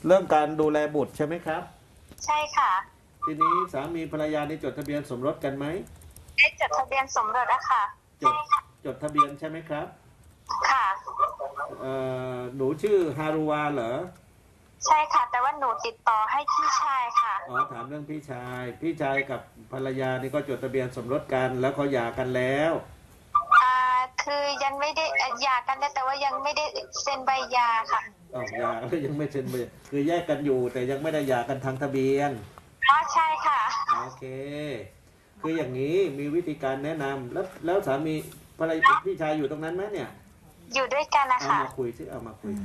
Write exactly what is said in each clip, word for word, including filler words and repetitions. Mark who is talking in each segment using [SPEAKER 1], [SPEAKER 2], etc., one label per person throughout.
[SPEAKER 1] เรื่องการดูแลบุตรใช่ไหมครับ
[SPEAKER 2] ใช่ค่ะ
[SPEAKER 1] ทีนี้สามีภรรยาได้จดทะเบียนสมรสกันไหม
[SPEAKER 2] ได้จดทะเบียนสมรสอะค่ะ
[SPEAKER 1] จดจดทะเบียนใช่ไหมครับ
[SPEAKER 2] ค่ะ
[SPEAKER 1] เอ่อหนูชื่อฮารุวาเหรอ
[SPEAKER 2] ใช่ค่ะแต่ว่าหนูติดต่อให้พี่ชายค่ะ
[SPEAKER 1] อ๋อถามเรื่องพี่ชายพี่ชายกับภรรยานี่ก็จดทะเบียนสมรสกันแล้วเขาหย่ากันแล้ว
[SPEAKER 2] อ่าคือยังไม่ได้หย่ากันแต่ว่ายังไม่ได้เซ็นใบหย่าค่ะ
[SPEAKER 1] อ๋อหย่าแล้วยังไม่เซ็นใบคือแยกกันอยู่แต่ยังไม่ได้หย่ากันทางทะเบียน
[SPEAKER 2] อ๋อใช่ค่ะ
[SPEAKER 1] โอเคคืออย่างนี้มีวิธีการแนะนำแล้วแล้วสามีภรรยาพี่ชายอยู่ตรงนั้นไหมเนี่ย
[SPEAKER 2] อยู่ด้วยกันนะ
[SPEAKER 1] เอา
[SPEAKER 2] คะ
[SPEAKER 1] มาคุยซิเอามาคุย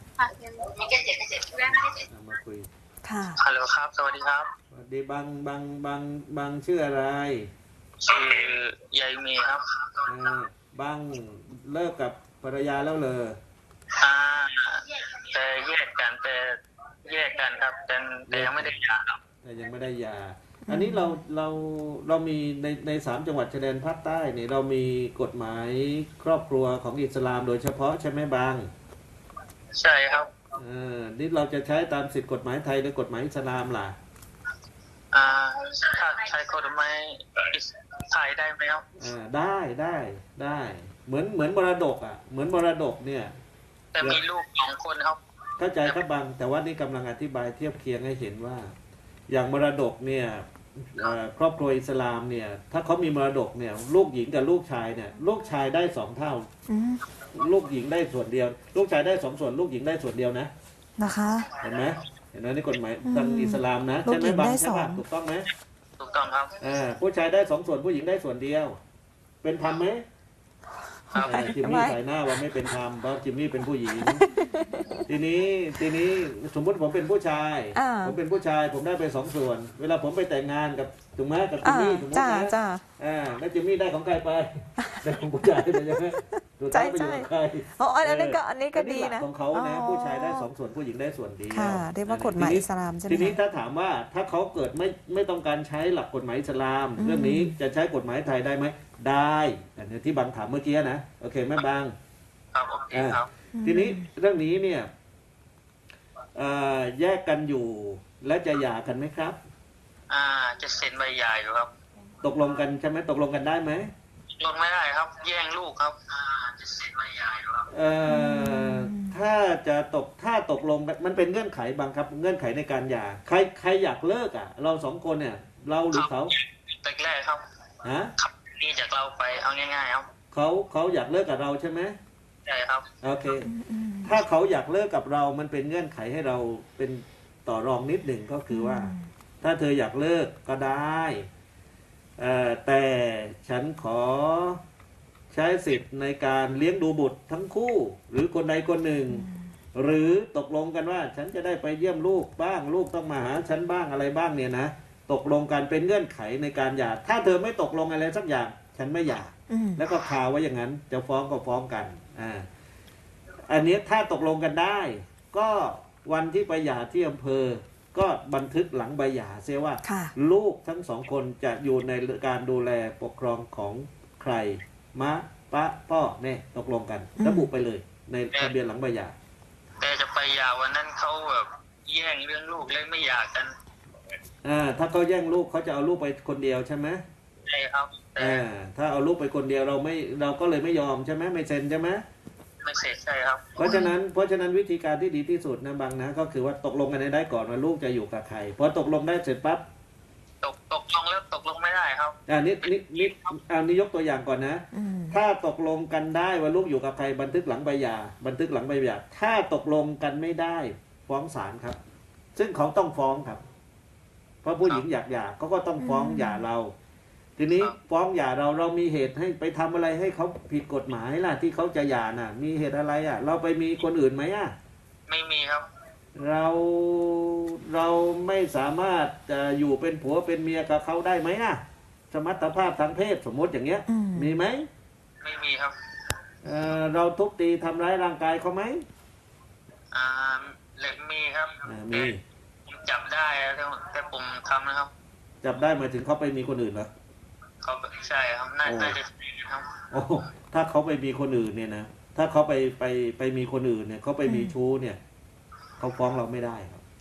[SPEAKER 1] เอามาคุย
[SPEAKER 3] ค่ะ
[SPEAKER 4] ฮัลโหลครับสวัสดีครับ
[SPEAKER 1] สวัสดีบางบางบางบางชื่ออะไร
[SPEAKER 4] ชื่อยายมีครับ
[SPEAKER 1] เออบางเลิกกับภรรยาแล้วเลย
[SPEAKER 4] อ่าแต่แยกกันแต่แยกกันครับแต่แต่ยังไม่ได้หย่าครับ
[SPEAKER 1] แต่ยังไม่ได้หย่าอันนี้เราเราเรามีในในสามจังหวัดชายแดนภาคใต้เนี่ยเรามีกฎหมายครอบครัวของอิสลามโดยเฉพาะใช่ไหมบาง
[SPEAKER 4] ใช่ครับ
[SPEAKER 1] เออนี่เราจะใช้ตามสิทธิกฎหมายไทยหรือกฎหมายอิสลามล่ะ
[SPEAKER 4] อ่าถ้าใช้กฎหมายไทยได้ไหมครับ
[SPEAKER 1] อ่าได้ได้ได้เหมือนเหมือนมรดกอ่ะเหมือนมรดกเนี่ย
[SPEAKER 4] แต่มีลูกสองคนครับ
[SPEAKER 1] เข้าใจครับบางแต่ว่านี่กำลังอธิบายเทียบเคียงให้เห็นว่าอย่างมรดกเนี่ยครอบครัวอิสลามเนี่ยถ้าเขามีมรดกเนี่ยลูกหญิงกับลูกชายเนี่ยลูกชายได้สองเท่าลูกหญิงได้ส่วนเดียวลูกชายได้สองส่วนลูกหญิงได้ส่วนเดียวนะ
[SPEAKER 3] นะคะ
[SPEAKER 1] เห็นไหมเห็นไหมนี่กฎหมายทางอิสลามนะใช่ไหมบางใช่ป่ะถูกต้องไหม
[SPEAKER 4] ถูกต้องครับ
[SPEAKER 1] อ่าผู้ชายได้สองส่วนผู้หญิงได้ส่วนเดียวเป็นธรรมไหมจิมมี่ใส่หน้าว่าไม่เป็นธรรมเพราะจิมมี่เป็นผู้หญิงทีนี้ทีนี้สมมติผมเป็นผู้ชายผมเป็นผู้ชายผมได้ไปสองส่วนเวลาผมไปแต่งงานกับถูกไหมกับจิมมี่ถูกไหม
[SPEAKER 3] จ้า
[SPEAKER 1] อ่าแล้วจิมมี่ได้ของใครไปได้ของผู้ชายเลยใช่ไหมถูกต้องไปอยู่กับใคร
[SPEAKER 3] อ๋ออันนี้ก็อันนี้ก็ดีนะ
[SPEAKER 1] ของเขานะผู้ชายได้สองส่วนผู้หญิงได้ส่วนเดียว
[SPEAKER 3] ค่ะเรียกว่ากฎหมายอิสลามใช่ไหม
[SPEAKER 1] ทีนี้ถ้าถามว่าถ้าเขาเกิดไม่ไม่ต้องการใช้หลักกฎหมายอิสลามเรื่องนี้จะใช้กฎหมายไทยได้ไหมได้อันนี้ที่บางถามเมื่อกี้นะโอเคไหมบาง
[SPEAKER 4] ครับโอเคครับ
[SPEAKER 1] ทีนี้เรื่องนี้เนี่ยแยกกันอยู่และจะหย่ากันไหมครับ
[SPEAKER 4] อ่าจะเซ็นใบหย่าอยู่ครับ
[SPEAKER 1] ตกลงกันใช่ไหมตกลงกันได้ไหม
[SPEAKER 4] ลงไม่ได้ครับแย่งลูกครับอ่าจะเซ็นใบหย่าอยู่ครับ
[SPEAKER 1] เอ่อถ้าจะตกถ้าตกลงมันเป็นเงื่อนไขบางครับเงื่อนไขในการหย่าใครใครอยากเลิกอ่ะเราสองคนเนี่ยเราหรือเขา
[SPEAKER 4] แรกครับ
[SPEAKER 1] ฮะ
[SPEAKER 4] นี่จากเราไปเอาง่ายๆครับ
[SPEAKER 1] เขาเขาอยากเลิกกับเราใช่ไหม
[SPEAKER 4] ใช่ครับ
[SPEAKER 1] โอเคถ้าเขาอยากเลิกกับเรามันเป็นเงื่อนไขให้เราเป็นต่อรองนิดหนึ่งก็คือว่าถ้าเธออยากเลิกก็ได้แต่ฉันขอใช้สิทธิ์ในการเลี้ยงดูบุตรทั้งคู่หรือคนใดคนหนึ่งหรือตกลงกันว่าฉันจะได้ไปเยี่ยมลูกบ้างลูกต้องมาหาฉันบ้างอะไรบ้างเนี่ยนะตกลงกันเป็นเงื่อนไขในการหย่าถ้าเธอไม่ตกลงอะไรสักอย่างฉันไม่หย่าแล้วก็คาไว้อย่างนั้นจะฟ้องก็ฟ้องกันอ่าอันนี้ถ้าตกลงกันได้ก็วันที่ไปหย่าที่อำเภอก็บันทึกหลังใบหย่าเสียว่าลูกทั้งสองคนจะอยู่ในการดูแลปกครองของใครมะปะพ่อแม่ตกลงกันระบุไปเลยในทะเบียนหลังใบหย่า
[SPEAKER 4] แต่จะไปหย่าวันนั้นเขาแบบแย่งเรื่องลูกเลยไม่หย่ากัน
[SPEAKER 1] อ่าถ้าเขาแย่งลูกเขาจะเอาลูกไปคนเดียวใช่ไหม
[SPEAKER 4] ใช่ครับ
[SPEAKER 1] อ่าถ้าเอาลูกไปคนเดียวเราไม่เราก็เลยไม่ยอมใช่ไหมไม่เซ็นใช่ไหม
[SPEAKER 4] ไม่เซ็นใช่ครับ
[SPEAKER 1] เพราะฉะนั้นเพราะฉะนั้นวิธีการที่ดีที่สุดนะบางนะก็คือว่าตกลงกันได้ก่อนว่าลูกจะอยู่กับใครพอตกลงได้เสร็จปั๊บ
[SPEAKER 4] ตกตกลงแล้วตกลงไม่ได้ครับ
[SPEAKER 1] อ่านี่นี่นี่เอานี่ยกตัวอย่างก่อนนะถ้าตกลงกันได้ว่าลูกอยู่กับใครบันทึกหลังใบหย่าบันทึกหลังใบหย่าถ้าตกลงกันไม่ได้ฟ้องศาลครับซึ่งเขาต้องฟ้องครับเพราะผู้หญิงอยากหย่าเขาก็ต้องฟ้องหย่าเราทีนี้ฟ้องหย่าเราเรามีเหตุให้ไปทำอะไรให้เขาผิดกฎหมายล่ะที่เขาจะหย่าน่ะมีเหตุอะไรอ่ะเราไปมีคนอื่นไหมอ่ะ
[SPEAKER 4] ไม่มีครับ
[SPEAKER 1] เราเราไม่สามารถจะอยู่เป็นผัวเป็นเมียกับเขาได้ไหมอ่ะสมรรถภาพทางเพศสมมติอย่างเงี้ยมีไหม
[SPEAKER 4] ไม่มีครับ
[SPEAKER 1] เออเราทุบตีทำร้ายร่างกายเขาไหม
[SPEAKER 4] อ่าเล็กมีครับ
[SPEAKER 1] มี
[SPEAKER 4] จับได้แต่ผมทำนะครับ
[SPEAKER 1] จับได้หมายถึงเขาไปมีคนอื่นเหรอ
[SPEAKER 4] เขาใช่ครับน่าจะครับ
[SPEAKER 1] โอ้ถ้าเขาไปมีคนอื่นเนี่ยนะถ้าเขาไปไปไปมีคนอื่นเนี่ยเขาไปมีชู้เนี่ยเขาฟ้องเราไม่ได้ครับ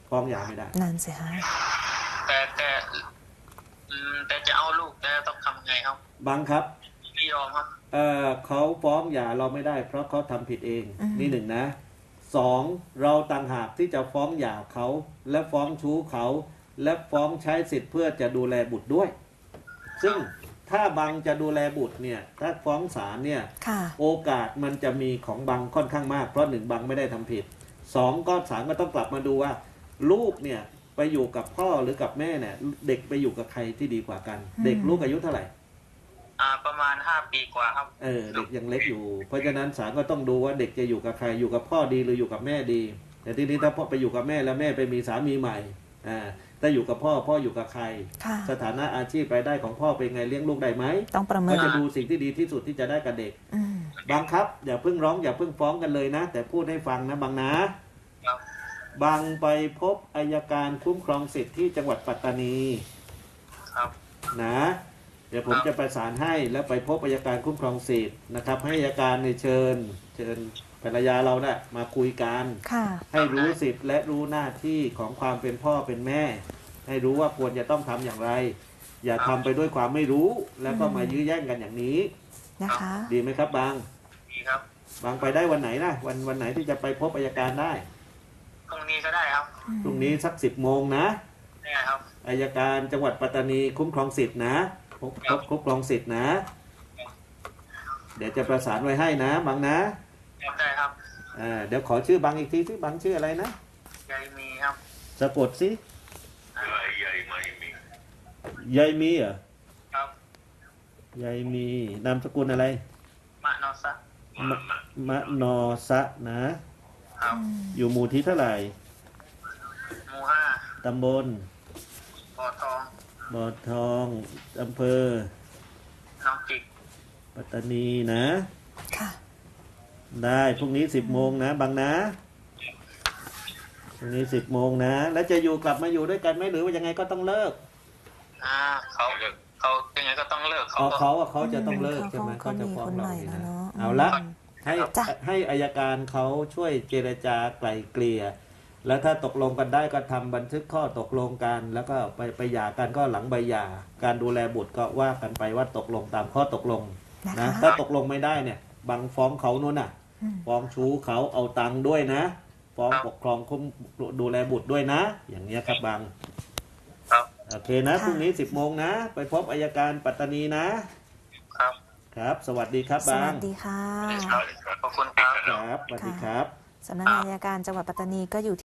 [SPEAKER 1] ฟ้องหย่าไม่ได้
[SPEAKER 3] นั่นสิฮะ
[SPEAKER 4] แต่แต่อืมแต่จะเอาลูกแต่ต้องทำไงครับ
[SPEAKER 1] บังครับ
[SPEAKER 4] ไม่ยอมครับ
[SPEAKER 1] เอ่อเขาฟ้องหย่าเราไม่ได้ เพราะเขาทำผิดเอง
[SPEAKER 3] อืม
[SPEAKER 1] นี่หนึ่งนะสองเราต่างหากที่จะฟ้องหย่าเขาและฟ้องชู้เขา และฟ้องใช้สิทธิ์เพื่อจะดูแลบุตรด้วย ซึ่งถ้าบังจะดูแลบุตรเนี่ยถ้าฟ้องศาลเนี่ย
[SPEAKER 3] ค่ะ
[SPEAKER 1] โอกาสมันจะมีของบังค่อนข้างมากเพราะหนึ่งบังไม่ได้ทำผิดสองก็ศาลก็ต้องกลับมาดูว่า ลูกเนี่ยไปอยู่กับพ่อหรือกับแม่เนี่ยเด็กไปอยู่กับใครที่ดีกว่ากัน
[SPEAKER 3] อืม
[SPEAKER 1] เด็กลูกอายุเท่าไหร่
[SPEAKER 4] อ่าประมาณห้าปีกว่าครับ
[SPEAKER 1] เออเด็กยังเล็กอยู่ เพราะฉะนั้นศาลก็ต้องดูว่าเด็กจะอยู่กับใครอยู่กับพ่อดีหรืออยู่กับแม่ดี แต่ทีนี้ถ้าพ่อไปอยู่กับแม่แล้วแม่ไปมีสามีใหม่อ่าถ้าอยู่กับพ่อพ่ออยู่กับใคร
[SPEAKER 3] ค่ะ
[SPEAKER 1] สถานะอาชีพรายได้ของพ่อเป็นไงเลี้ยงลูกได้ไหม
[SPEAKER 3] ต้องประเมิ
[SPEAKER 1] ก็
[SPEAKER 3] น
[SPEAKER 1] จะดูสิ่งที่ดีที่สุดที่จะได้กับเด็ก
[SPEAKER 3] อืม
[SPEAKER 1] บางครับอย่าเพิ่งร้องอย่าเพิ่งฟ้องกันเลยนะ แต่พูดให้ฟังนะบางนะครับ บางไปพบอัยการคุ้มครองสิทธิ์ที่จังหวัดปัตตานี
[SPEAKER 4] ครับ
[SPEAKER 1] นะเดี๋ยวผมจะประสานให้แล้วไปพบอัยการคุ้มครองสิทธิ์นะครับ ให้อัยการในยเชิญ เชิญภรรยาเรานะ่ะมาคุยกัน
[SPEAKER 3] ค่ะ
[SPEAKER 1] ให้รู้สิทธิ์และรู้หน้าที่ของความเป็นพ่อเป็นแม่ ให้รู้ว่าควรจะต้องทำอย่างไร อย่าทำไปด้วยความไม่รู้แล้วก็มายื้อแย่งกันอย่างนี้
[SPEAKER 3] นะคะ
[SPEAKER 1] ดีไหมครับบาง
[SPEAKER 4] ดีครับ
[SPEAKER 1] บางไปได้วันไหนนะวันวันไหนที่จะไปพบอัยการได้
[SPEAKER 4] พรุ่งนี้ก็ได้ครับ
[SPEAKER 1] พรุ่งนี้สักสิบโมงนะ
[SPEAKER 4] ได้ครับ
[SPEAKER 1] อัยการจังหวัดปัตตานีคุ้มครองสิทธินะพบพบคุ้มครองสิทธินะ เดี๋ยวจะประสานไว้ให้นะบางนะ
[SPEAKER 4] ได้ครับ
[SPEAKER 1] อ่าเดี๋ยวขอชื่อบางอีกทีที่บางชื่ออะไรนะ
[SPEAKER 4] ยายมีครับ
[SPEAKER 1] สะกดสิ
[SPEAKER 4] ยายยายไม่มี
[SPEAKER 1] ยายมีเหรอ
[SPEAKER 4] ครับ
[SPEAKER 1] ยายมีนามสกุลอะไร
[SPEAKER 4] มะนอสะ
[SPEAKER 1] มะมะนอสะนะ
[SPEAKER 4] ครับ
[SPEAKER 1] อยู่หมู่ที่เท่าไหร่
[SPEAKER 4] หมู่ห้า
[SPEAKER 1] ตำบล
[SPEAKER 4] บ่อทอง
[SPEAKER 1] บ่อทองอำเภอ
[SPEAKER 4] น้องจิก
[SPEAKER 1] ปัตตานีนะ
[SPEAKER 3] ค่ะ
[SPEAKER 1] ได้พรุ่งนี้สิบโมงนะบางนะพรุ่งนี้สิบโมงนะ แล้วจะอยู่กลับมาอยู่ด้วยกันไหมหรือว่ายังไงก็ต้องเลิก
[SPEAKER 4] อ่าเขาเขายังไงก็ต้องเลิกเขา
[SPEAKER 1] เขา
[SPEAKER 4] ก็
[SPEAKER 1] เขาอะเขาจะต้องเลิก
[SPEAKER 3] อืม
[SPEAKER 1] ใช่ไหม
[SPEAKER 3] เขา
[SPEAKER 1] เขาจะฟ้อง
[SPEAKER 3] เขามีคน
[SPEAKER 1] เรา
[SPEAKER 3] ใหม่
[SPEAKER 1] นี่
[SPEAKER 3] แล้ว
[SPEAKER 1] นะ
[SPEAKER 3] เนอะ
[SPEAKER 1] เอาละ
[SPEAKER 3] อืม
[SPEAKER 1] ให้
[SPEAKER 3] จ้ะ
[SPEAKER 1] ให้อายการเขาช่วยเจรจาไกล่เกลี่ยแล้วถ้าตกลงกันได้ก็ทำบันทึกข้อตกลงกัน แล้วก็ไปไปหย่ากันก็หลังใบหย่าการดูแลบุตรก็ว่ากันไปว่าตกลงตามข้อตกลง
[SPEAKER 3] นะ
[SPEAKER 1] นะคะ ถ้าตกลงไม่ได้เนี่ยบางฟ้องเขานู่นน่ะ
[SPEAKER 3] อืม
[SPEAKER 1] ฟ้องชู้เขาเอาตังค์ด้วยนะ ฟ้องปกครองคุ้มดูแลบุตรด้วยนะ อย่างเนี้ยครับบาง
[SPEAKER 4] ครับ
[SPEAKER 1] โอเคนะพรุ่งนี้สิบโมงนะ ไปพบอัยการปัตตานีนะ
[SPEAKER 4] ครับ
[SPEAKER 1] ครับ สวัสดีครับ
[SPEAKER 3] ส
[SPEAKER 1] บา
[SPEAKER 3] วั
[SPEAKER 1] ง
[SPEAKER 3] สดีค่ะ
[SPEAKER 4] ขอบคุณครับ
[SPEAKER 1] ครับสวัสดีครับ
[SPEAKER 3] สำนักงานอัยการจังหวัดปัตตานีก็อยู่